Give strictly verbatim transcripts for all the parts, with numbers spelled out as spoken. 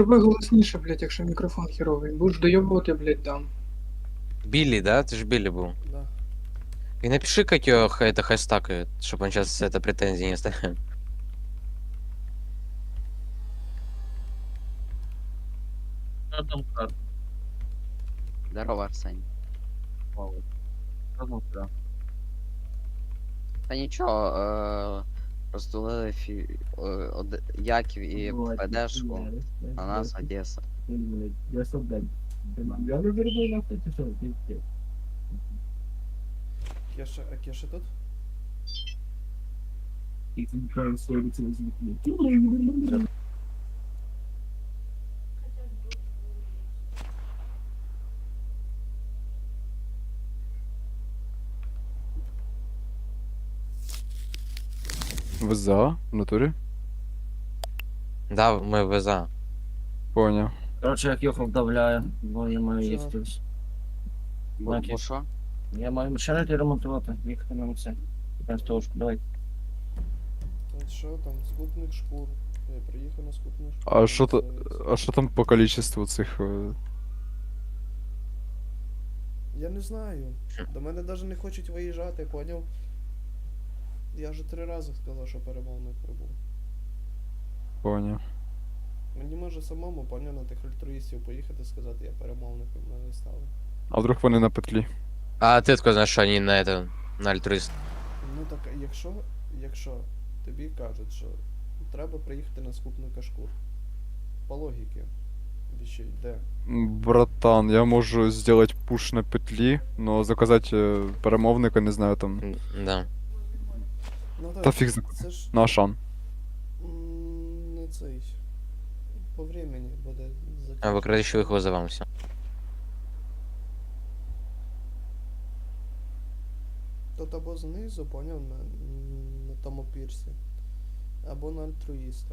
Давай голосніше, блядь, якщо мікрофон херовий. Будеш доєбувати, блядь, дам. Билли, да? Ты же Билли был. Да. И напиши, как ее это хэштагает, чтобы он сейчас это претензии не ставил. Що там карта? Здорово, Арсень. Мало. Що там карта? Та нічого, е, розділили фі... е, од... Яків і ПДшку, а нас Одеса. Я солдат. Я не верну на це, що ти. Кеша, а Кеша тут? І ти кажеш, що це звідки. В ЗА? В натурі? Да, мы в ВЗА. Поняв. Короче, як Йохов вдавляє, бо я маю Чого? їсти. Бо, Яків. бо що? Я маю машину ремонтувати, їхати на все. Пенстовушку, давай. От що там, скупник шкур. Я приїхав на скупник шкур. А що то. А що там по количеству цих. е, Я не знаю. До мене навіть не хочуть виїжджати, поняв? Я вже три рази сказав, що перемовник прибув. Поняв. Мені може самому, поняв, на тих альтруїстів поїхати сказати, я перемовником мене стали. А вдруг вони на петлі? А ты откуда знаешь, что они на это, на альтруист? Ну так, а якщо, якщо тобі кажуть, що треба приїхати на скупника шкур. По логіки. Віщей, де? М, Братан, я можу зробити пуш на петлі, но заказати е, перемовника, не знаю там. М, Да. Ну так, Та фіг зна- це ж На Ашан. м, не цей. По времени буде А затягнуто. вы, короче, их вызовам все. Тут або знизу, поняв, на, на тому пірсі, або на альтруїстах.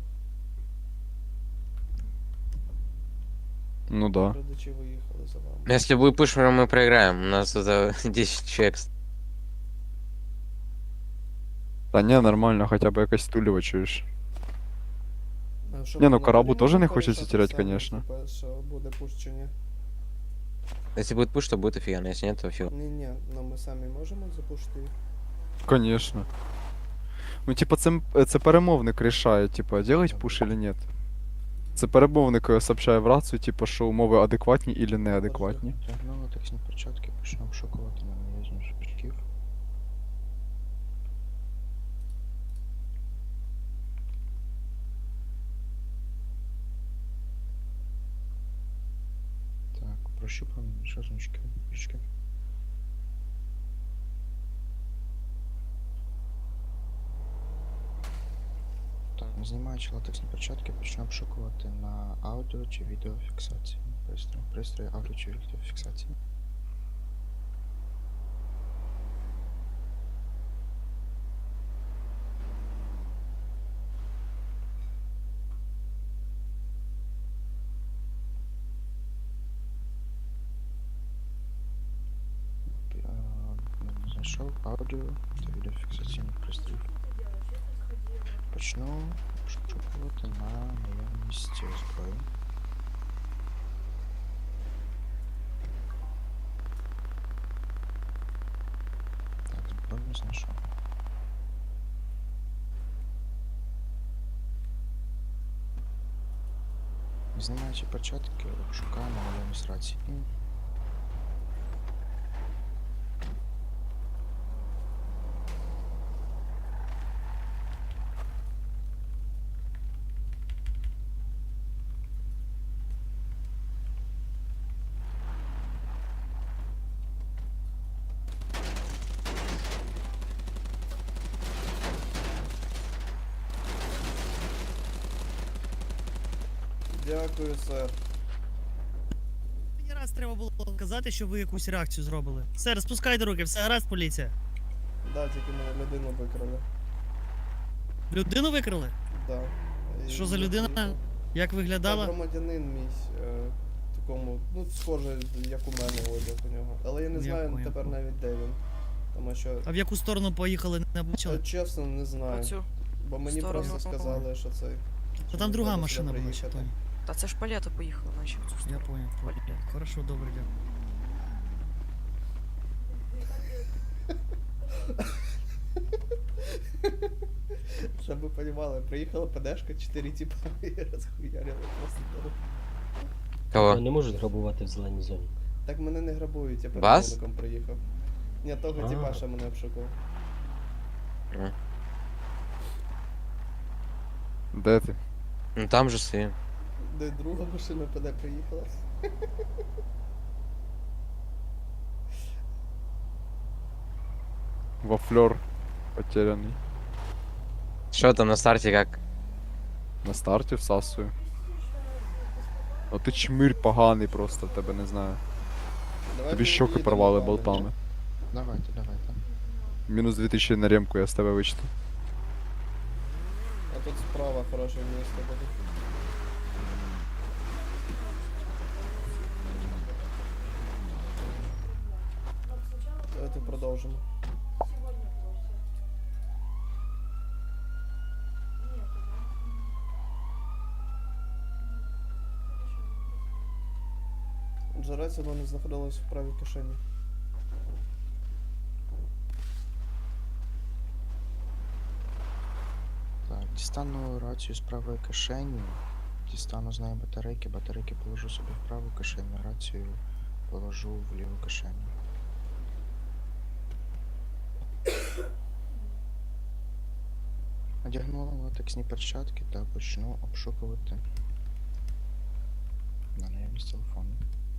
Ну да. Родичі виїхали за вами. Если будет пуш, мы проиграем. У нас это десять человек. Та ні, нормально, хоча б якась тулева, чуєш. А що, Не, ну, ми Карабу можемо тоже не порішати хочеться терять, самі, конечно. типа, що буде пуш чи ні? Если будет пуш, то будет офигенно. Если нет, то фиг. Ні-ні, ну ми самі можемо запушити їх. Конечно. Ну, типа, це, м- це перемовник рішає, типа, делать пуш или нет. Це перемовник е, сообщає в рацію, типа, що умови адекватні или неадекватні. Тягнули таксні перчатки, почнемо шокувати на наїзну шпичків. Так, прощупаємо шазнички, пічки. Так, знімаючи латексні перчатки, почнемо шокувати на аудіо чи відеофіксації. Пристрій, пристрій аудіо чи відеофіксації. Е, не Знайшов аудіо та відеофіксаційний пристрій. Почну шукати на наявність зброї. Так, зброю знайшов. Знімаючи перчатки, шукаємо наявність рації. Дякую, сер. Мені раз треба було казати, що ви якусь реакцію зробили. Все, розпускайте руки, все гаразд, поліція. Да, тільки мене людину викрали. Людину викрили? Да. І Що за я людина? приїхав. Як Та виглядала? громадянин мій, е, такому, ну, схоже, як у мене одяг у нього. Але я не Я знаю понял. тепер навіть де він. Тому що, А в яку сторону поїхали, не бачили? е, чесно, не знаю. Оцю. Бо мені сторону. просто сказали, що це. Та що там друга треба машина сюди була ще, приїхати. Тоні. Та це ж палета поїхала, наче в цю Я сторону. понял, понял. Хорошо, добре, дякую. Щоб ви розуміли, приїхала ПДшка, чотири тіпа і розхуярили просто дорогу. Кого? Не можуть грабувати в зеленій зоні. Так мене не грабують, я Вас? перемовником приїхав. Ні, того А. тіпа, що мене обшукував. Де ти? Ну там же свій. Де друга машина ПД приїхала. Вафлер потеряний. Що там на старті як? На старті всасую. Ну ти чмирь поганий просто, тебе не знаю. Давай Тобі ми щоки їдемо, порвали пане. болтами. Давайте, давайте. Мінус дві тисячі на ремку я з тебе вичту. А тут справа хороше місце буде. Давайте продовжимо. Джерець, воно не знаходилось в правій кишені. Так, дістану рацію з правої кишені. Дістану з неї батарейки, батарейки положу собі в праву кишеню, рацію положу в ліву кишеню. Одягнула латексні перчатки та почну обшукувати на наявність телефону.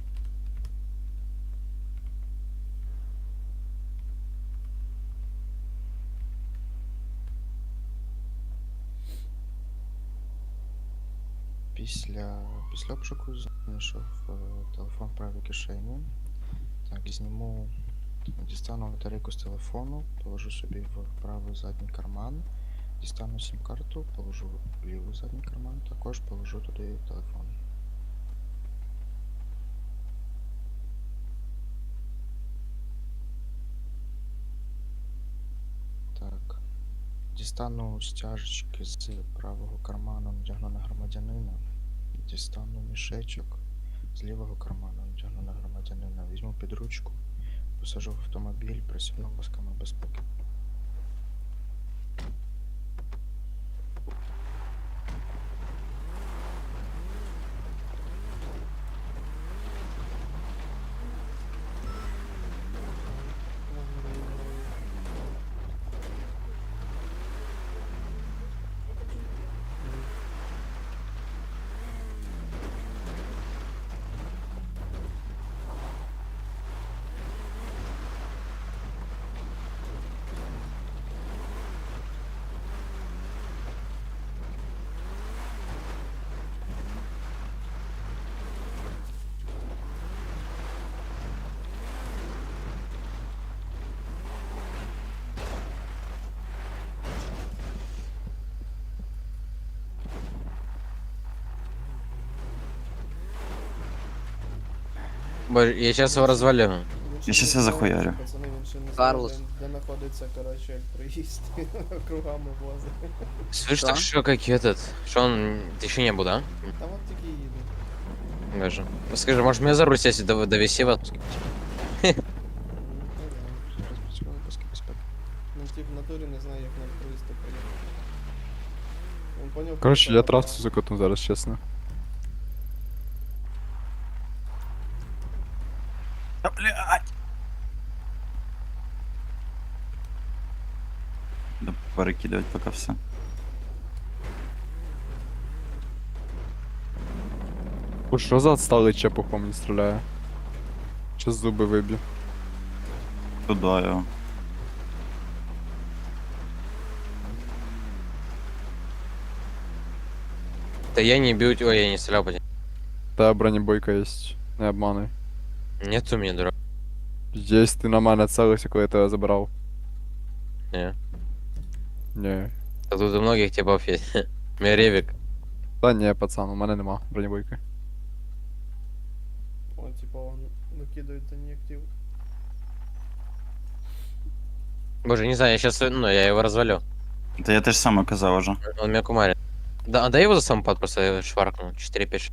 Після, після обшуку знайшов е, телефон в правій кишені. Так, зніму, дістану батарейку з телефону, положу собі в правий задній карман, дістану сім-карту, положу в лівий задній карман, також положу туди телефон. Так. Дістану стяжечки з правого карману, надягну на громадянина. Дістану мішечок з лівого карману, надягну на громадянина. Візьму під ручку, посажу в автомобіль, присягну пасками безпеки. Боже, я сейчас его развалю. Я щас я захуярю. Пацани, він ще не знає, Карлос. де, де знаходиться, коротше, проїзд. Кругами возить. Слышь, Что? так что, как этот? Что он... Ты еще не был, да? Та от тільки їде. Даже. Скажи, может мне за руль сесть и дов- довести вас? Ну, Зараз працювали паски безпеки. Ну, тип в натурі не знає, як нам проїзд поїхати. Він поняв, Коротше, що я направо. трасу закотну зараз, чесно. Да перекидывать пока все. Уж що за отсталий чепухом не стріляє? Щас зуби виб'ю. Туда його. Да я не бью, ой, я не стрелял по тебе. Та бронебойка є, не обмануй. Нет у меня, дурак. Єсть, ти на мене целився, коли я тебе забирав. Не. Ні. А тут у многих типов есть. У меня ревик. Та ні, пацан, у мене нема бронебойки. О, типа, он викидають за неактив. Боже, не знаю, я сейчас, ну, я его развалю. Та я теж саме казав уже. Он меня кумарит. Да, а дай его за самопад просто шваркну. четыре пять.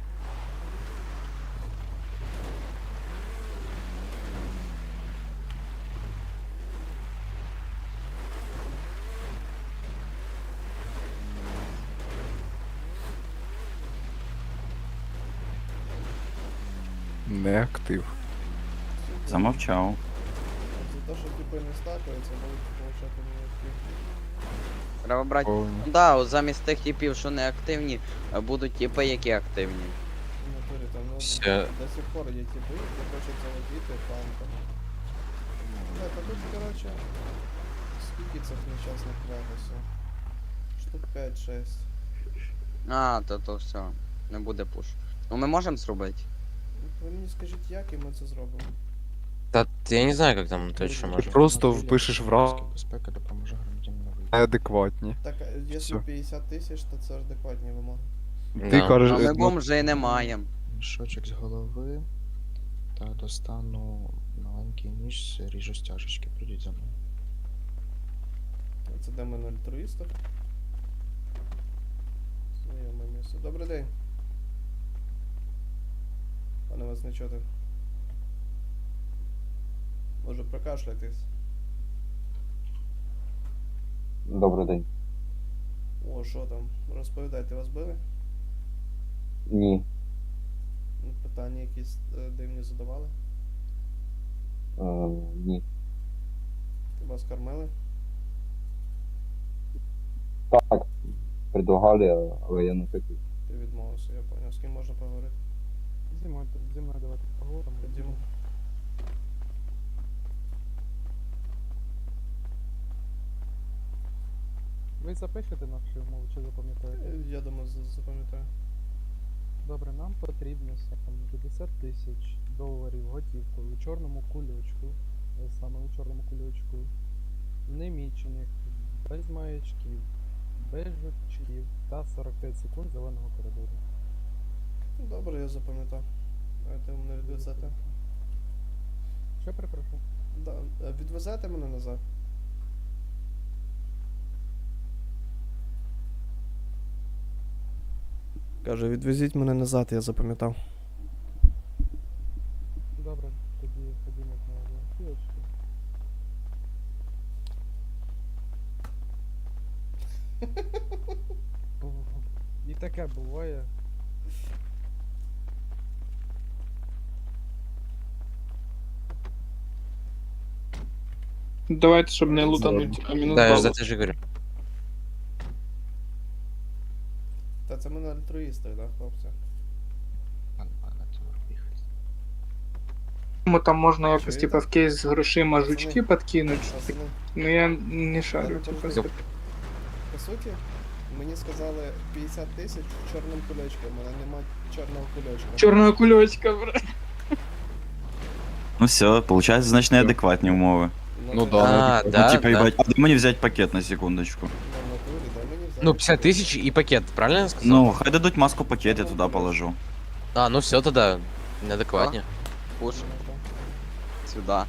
Не актив. Замовчав. За те, що типи не стакаються, будуть получати неактивні. Треба брати. Повні. Ну да, от замість тих типів, що не активні, е, будуть типи, які активні. В натурі там, ну, Все. до сих пор є типи, які хочуть заводити фанком. Да, та тут, короче, скільки цих нещасних Вегасів? Штук п'ять-шесть. А, то то все. Не буде пуш. Ну ми можемо зробити. Ви мені скажіть, як і ми це зробимо? Да, я не знаю, как там точно Ти можно. просто впишеш в раз Безпека допоможе громадянину вийти. неадекватні. Так, а якщо Всё. п'ятдесят тисяч, то це ж адекватні вимоги. Ти Да. кажеш, А ми ну, бомжей не маємо. Мішочок з голови. Та достану маленький ніж, ріжу стяжечки. Прийдіть за мною. Це де ми на альтруїстах. Знайоме місце. Добрий день. Пане вас не чути. Може прокашляйтесь. Добрий день. О, що там? Розповідайте, вас били? Ні. Ну, питання якісь е, дивні задавали? Е, ні. Вас кормили? Так. Предлагали, але я не хотів. Ти відмовився, я поняв. З ким можна поговорити? Зі мною, зі мною давайте поговоримо. Ходімо. Ви запишете наші умови чи запам'ятаєте? Е, Я думаю, за- запам'ятаю. Добре, нам потрібно саме п'ятдесят тисяч доларів готівкою у чорному кульочку, е, саме у чорному кульочку, немічених, без маячків, без жучків та сорок п'ять секунд зеленого коридору. Добре, я запам'ятав. Давайте ви мене відвезете. Що перепрошую? Да. е, Відвезете мене назад? Каже, відвезіть мене назад, я запам'ятав. Добре, тоді ходімо на кілочку. І таке буває. Давайте, щоб не лутануть, а мінус Да, я за балу. это же говорю. Та це ми на альтруїстах, да, хлопці? Пан, пане, це їхати. Тому там можна якось, Чуєте? типа, в кейс з грошима жучки підкинути. Пацани, Ну я не шарю, Добре, типа. добре. по суті, мені сказали п'ятдесят тисяч чорним кульочком, у мене нема чорного кульочка. Чорного кульочка, бра. Ну все, получается, значит, неадекватні умови. Ну ти- да. А, Ну, да, типа, да. ебать, а дай мені взять пакет на секундочку. Ну, в натурі, дай мені взяти. Ну, пятьдесят тысяч и пакет, правильно я сказал? Ну, хай дадуть маску пакет, я туда положу. А, ну все тогда. Неадекватнее. Пуш. Ну, так. Сюди.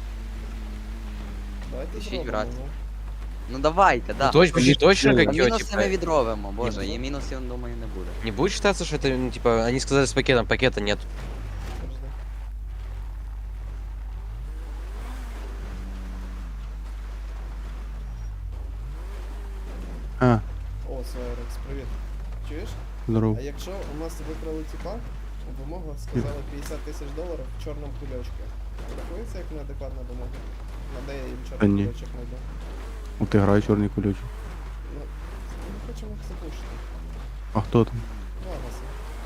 Давайте Ищіть зробимо, брат. ну. Ну давайте, да. Ну, точ, почти точно А как ее, мінуси ми типа, відровимо, боже, і мінусів, думаю, не буде. не будет считаться, что это, ну, типа, они сказали с пакетом, пакета нет. Подожди. А, О, Сайрекс, привіт. Чуєш? здорово. А якщо у нас викрали тіпа, вимога сказала п'ятдесят тисяч доларів в чорному кульочку. Рахується як неадекватна вимога? На де я їм Та чорний ні. кульочок знайду? От грає чорний кульочок. Ну, ми хочемо їх запушити. А хто там? Вагаси.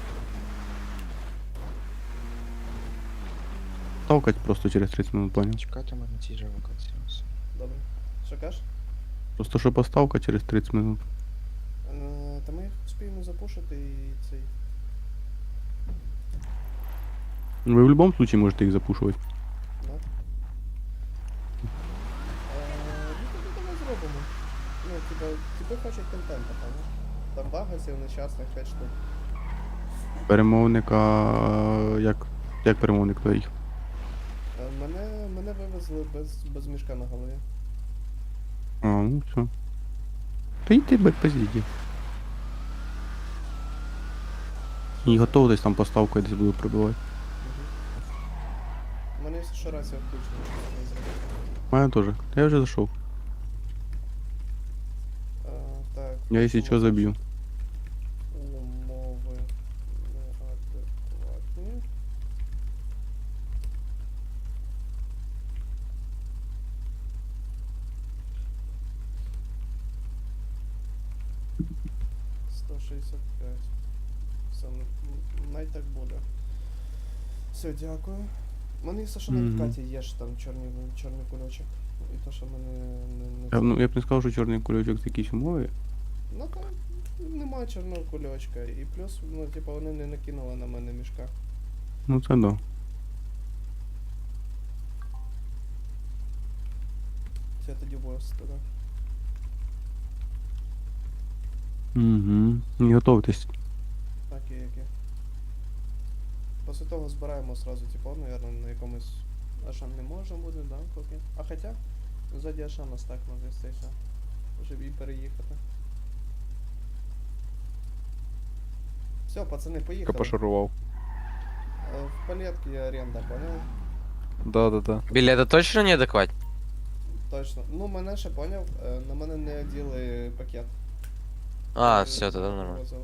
Толкать просто через тридцять минут, понял? Чекайте мене на цій же локації. Все. Добре. Що кажеш? Просто що поставка через тридцять минут. Е, Та ми їх успіємо запушити і цей. Ну, ви в будь-якому случае можете їх запушувати. Да? Е, Ну тоді давай зробимо. Ну, типа, типи хочуть контента, певно. Там вагасів нещасних п'ять штук. Перемовника. Як. Як перемовник твоїх? Е, Мене, мене вивезли без, без мішка на голові. А, ну все. Та йди без позіді. І готовитись там поставкою десь буду пробивати. У мене все ще рація включена, що не зробити. У мене теж. Я вже зайшов. Е, Так. Я якщо що заб'ю. Умови неадекватні. сто шістдесят п'ять. Все, м- м- най так буде. Все, дякую. У мене все, що на Мгм. відкаті є ж там чорний, чорний кульочок. І то, що мене не, не Я, б- ну, я б не сказав, що чорний кульочок з якісь умови. Ну там немає чорного кульочка. І плюс, ну, типу, вони не накинули на мене мішка. Ну це да. Це тоді бос туди. Угу. Не готовитись. Окей, окей. Після того збираємо сразу, типу, наверное, на якомусь Ашан не може бути, да, поки. А хоча, ззаді Ашана стак може статися. Щоб і переїхати. Все, пацани, поїхали. Пошарував. Е, В палетки оренда, понял? Да-да-да. Біля, це точно неадекватні? Точно. Ну, мене ще поняв, е, на мене не оділи пакет. А, Е, все, тоді нормально. привозили.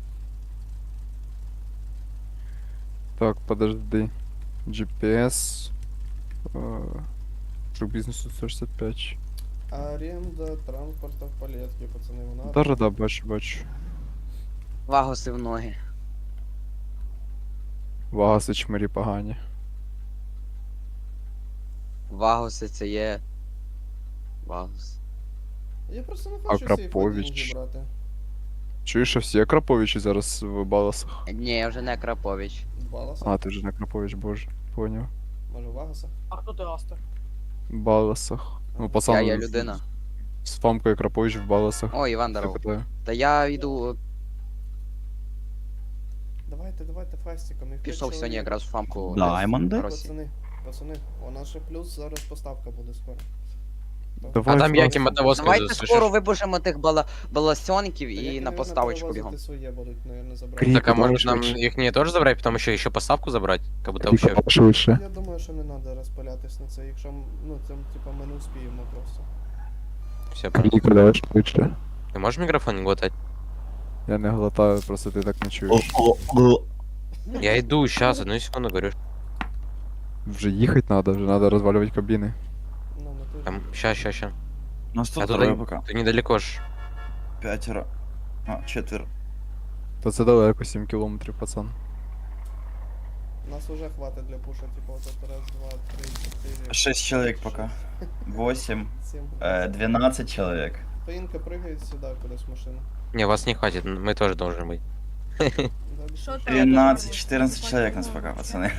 Так, подожди. джі пі ес. Друг бізнесу сто шістдесят п'ять. Оренда транспорта в палетки, пацани, вона. Да-да-да, бачу, бачу. Вагоси в ноги. Вагаси чмирі погані. Вагоси це є. Вагос. Я просто не хочу всі Акрапович. деньги брати. Чуєш, що всі Акраповичі зараз в Баласах? Ні, я вже не Крапович. Баласа? А, ти вже не Акрапович, боже. Поняв. Може Вагаса? А хто ти Астер? Баласах. Ну, пацан. Я є людина. З Фамкою Крапович в Баласах. О, Іван Я Даров. питаю. Та я йду, Давайте, давайте фастиком. Їх пішов п'ять сьогодні чоловік. якраз в фамку. Даймонди? в Росі. Пацани, пацани, у нас ще плюс зараз поставка буде скоро. Давай, А там Флаг. яким одновозкою Давайте засушиш? скоро вибужимо тих бала... баласьонків Та і які, на наверно, поставочку перевозити бігом. своє будуть, наверно, забрати. Крі- Так, а Давай может нам швидше. их не тоже забрать, потом еще еще поставку забрать? Как будто Кріка, вообще... швидше. Я думаю, що не треба розпилятись на це, якщо, м- ну, це, типа, ми не успіємо просто. Все, понял. Кріка, давай швидше. Ты можешь микрофон не глотать? Я не глотаю, просто ти так не чуєш. Я иду, сейчас, одну секунду говорю. Вже їхати треба, вже треба розвалювати кабіни. Ну, ми тут. Там, щас, щас, щас. У нас А тут туда трое не- пока. ты недалеко ж. Пятеро. А, четверо. Та це далеко, сім кілометрів, пацан. Нас уже хватить для пуша, типа, вот это раз, два, три, четыре. Шесть человек пока. Восемь. Семь. Э, двенадцать человек. Поинка прыгает сюда, куда-то с машины. Не, вас не хватит, мы тоже должны быть. Да, без Что пуши. там? тринадцать-четырнадцать человек нас пока, пацаны.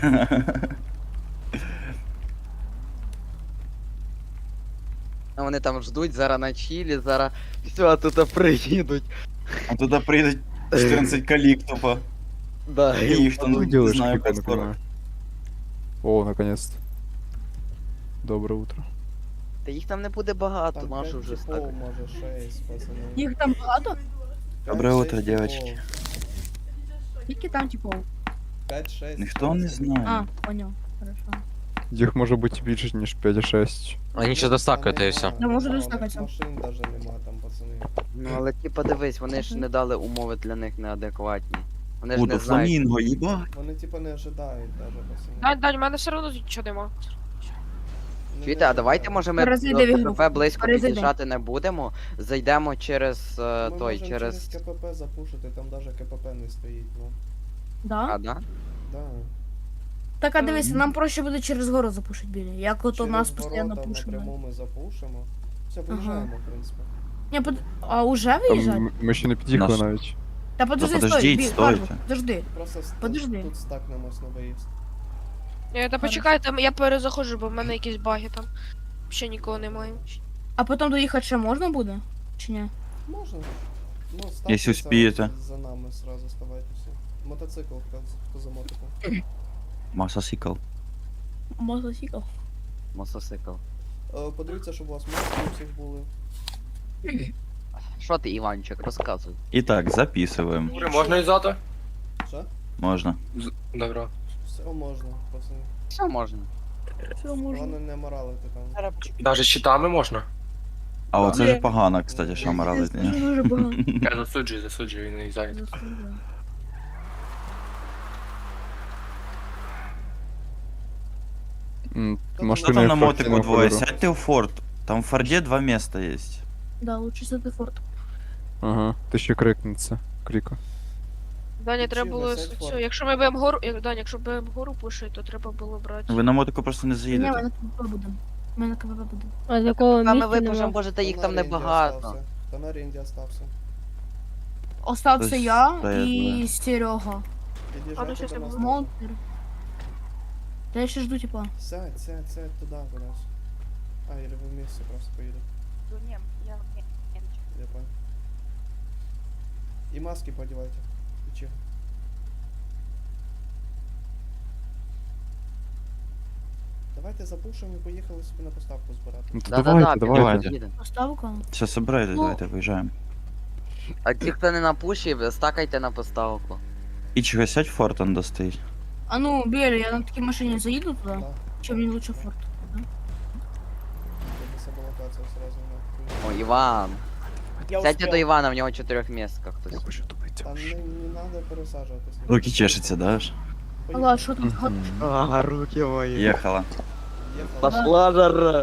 А вони там ждуть, зараз на чилі, зараз все, тут приїдуть. А туда приедут четырнадцать коллег тупо. Да, И их там, Ну, не делаешь, знаю, Кріка, как не скоро. понимаю. О, наконец-то. Доброе утро. Та їх там не буде багато, Там нашу пять вже типов, стак. може шесть, пацаны. Їх там багато? Доброе утро, девочки. Скільки там типу? пять-шесть. Никто не А, знает. понял. Хорошо. Їх може бути більше, ніж п'ять-шесть. Они сейчас достакают, и все. Да, може достакаться. Машин даже нема там, пацаны. Ну але ти подивись, вони ж не дали умови для них неадекватні. Вони ж О, не да знають. фламинго, ебать. Вони типа не ожидають даже, пацаны. Дань, Дань, у мене все одно нічого нема. Не Чуєте, а давайте ожидають. може ми Перезайди в ігру. КПП близько Перезайди. під'їжджати не будемо, зайдемо через е, Ми той, можемо через. через КПП запушити, там даже КПП не стоїть, ну. Да? А, да? Да. Так, а дивися, нам проще буде через гору запушити біля. Як от у Через нас ворота постійно пушимо. напряму ми запушимо. Все, поїжджаємо, в принципі. Ні, под... А уже Там виїжджати? м- ми ще не під'їхали Наш- навіть. Та подожди, Да стой, подождіть, бі- стойте. Карл, подожди. Просто ст- Подожди. тут стакнемось на виїзд. Ні, та почекайте, я перезаходжу, бо в мене якісь баги там. Ще нікого немає. А потім доїхати ще можна буде? Чи ні? Можна. Ну, Если ставте успеете. За, за нами сразу ставайтеся. Мотоцикл, хто, хто за мотиком. Массосикл. Мотоцикл. Мотоцикл. Е, Подивіться, щоб у вас маски у всіх були. Що ти, Іванчик, розказуй. Итак, записываем. Можна і зато? Що? Можна. Добро. Все можна, пацани. Все можна. Все можна. Головне не моралити там. Навіть щитами можна? А оце Ні. ж погано, кстати, що моралить. Це дуже багато. Я засуджую, засуджую, не зайду. Заслужено. Що там на мотику двоє? Сядьте у форт. Там в форді два міста є. Да, лучше сяти форт. Ага, ти ще крикнеться. Кріка. Даня, Включи треба було висять цю, форт. якщо ми будемо гору, як Даня, якщо будемо гору пушити, то треба було брати. Ви на мотику просто не Ні, ми заїдете. на КВП будемо. Ми на КВП будемо. А з якого ми випушимо, можете їх Хто там на ринді небагато. остався? Хто на ринді остався? Остався Ось я стоять і двоє. Серега. Під'їжджайте щас до я нас буду. теж. Монтер. Та я ще жду, типа. Сядь, сядь, сядь туди кудись. А, или ви вместе просто поїдете. Я понял. І маски подівайте. І чого? Давайте запушимо і поїхали собі на поставку збирати. Ну то Да-да-да, давайте, підемо, давайте. підемо. Поставка. Все, собирайте, Ну. давайте, виїжджаємо. А ті, хто не на пуші, стакайте на поставку. І чого сядь в форт, он достоїть. А ну, Белі, я на такій машині заїду туди. Да. Чи мені лучше форт? Щоб саботація сразу не О, Іван. Сядьте до Івана, в нього чотирьохмістка хтось. Там не, не надо пересаджуватись. Руки чешуться, да? ж? Алла, що там? А, руки мої. Їхала. Їхали. Пошла жара.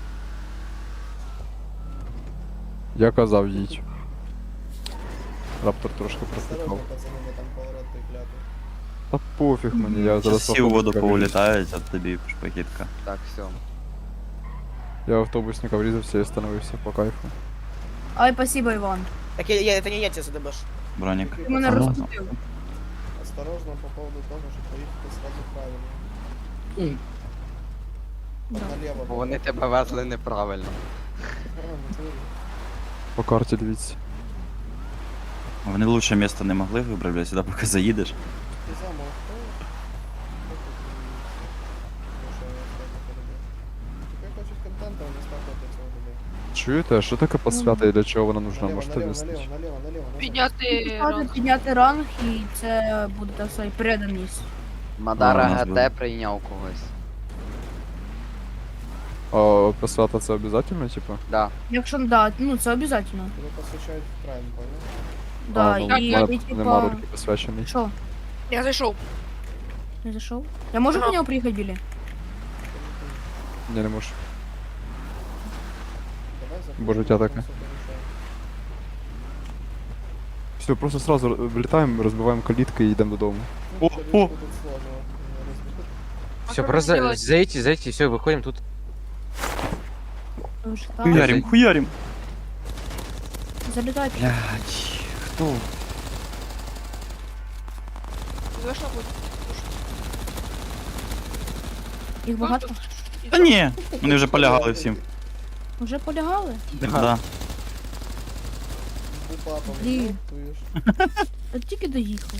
Я казав їдь. Раптор трошки Осторожно, протикав. пацани, бо там поворот той клятий. Та пофіг мені, я зараз Всі у воду автобусника повилітають, а тобі шпакітка. Так, все. врізав. Я в автобусника врізався і остановився по кайфу. Ай, спасибо, Іван. Так я, я, це не я тебе задебеш. Бронік. Такий Ти мене пацан. розкупив. Осторожно по поводу того, щоб поїхати сразу правильно. Да. Налево. Бо вони тебе везли неправильно. А, в натурі. По карті дивіться. Вони лучше місто не могли вибрати, блядь, сюди поки заїдеш. Ти замов, хто? Хто тут і- Що я так перебив? Тільки хочуть контенту, а не ставити цього людей. Чуєте, а що таке посвята і для чого вона нужна? Наліво, Можете наліво, вияснити? наліво, наліво, наліво, наліво. Підняти ранг. Підняти ранг, і це буде, так сказати, преданість. Мадара А, у нас буде. ГТ прийняв когось. А посвята це обов'язково, типа? Да. Якщо, да, ну це обов'язково. Тебе посвящають в прайм, понял? Да, а, ну, і, в мене і, типа... нема руки посвячений. Що? Я зайшов. Не зайшов? Я можу до нього приїхати, Білі? Ні, не можу. Давай заходимо, Бо життя там таке. все порішаємо. Все, просто сразу вилітаємо, розбиваємо калітки і йдемо додому. Ну, О, калітку о! тут сложно розбити. Все, просто за- зайдите, зайдите, все, выходим тут. Тому що там Хуярим, хуярим. залітають. Блядь, хто? Вийшло будь. Їх багато? Та ні, вони вже полягали всім. Вже полягали? Да. З бупапом, Блін. чуєш? От тільки доїхали.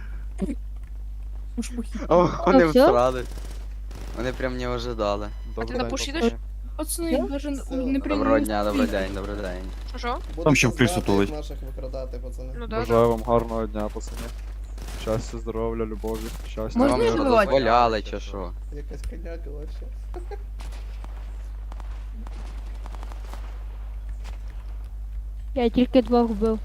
Уж похід. О, вони всё? всрали. Вони прям не ожидали. Добре, на пуші йдеш? Пацани, я даже Все. не прийму. Доброго дня, добрий день, добрий день. Що? Будете ще в крису знати, тулить. як наших викрадати, пацани. Ну Бажаю вам гарного дня, пацани. Щастя, здоров'я, любові, щастя. Можна Вам не що, забивати? дозволяли чи що? Якась коняка вообще. Я тільки двох вбив.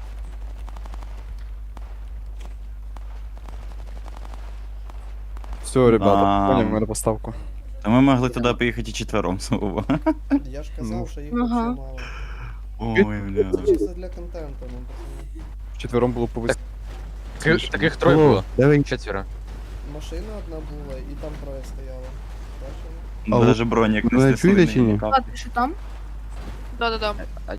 Все, ребята, А. понял мене поставку. Та ми могли туди поїхати і четвером знову. Я ж Ну. казав, що їх Ага. вообще мало. Ой, Це бля. чисто для контенту, ну, пацани. Вчетвером було повис... Так, так их трое было. Давай. Четверо. Машина одна була, і там троє стояло. Бачили? Ну, даже бронік ви не чуєте чи ні? стислений. А ти що там? Да-да-да. А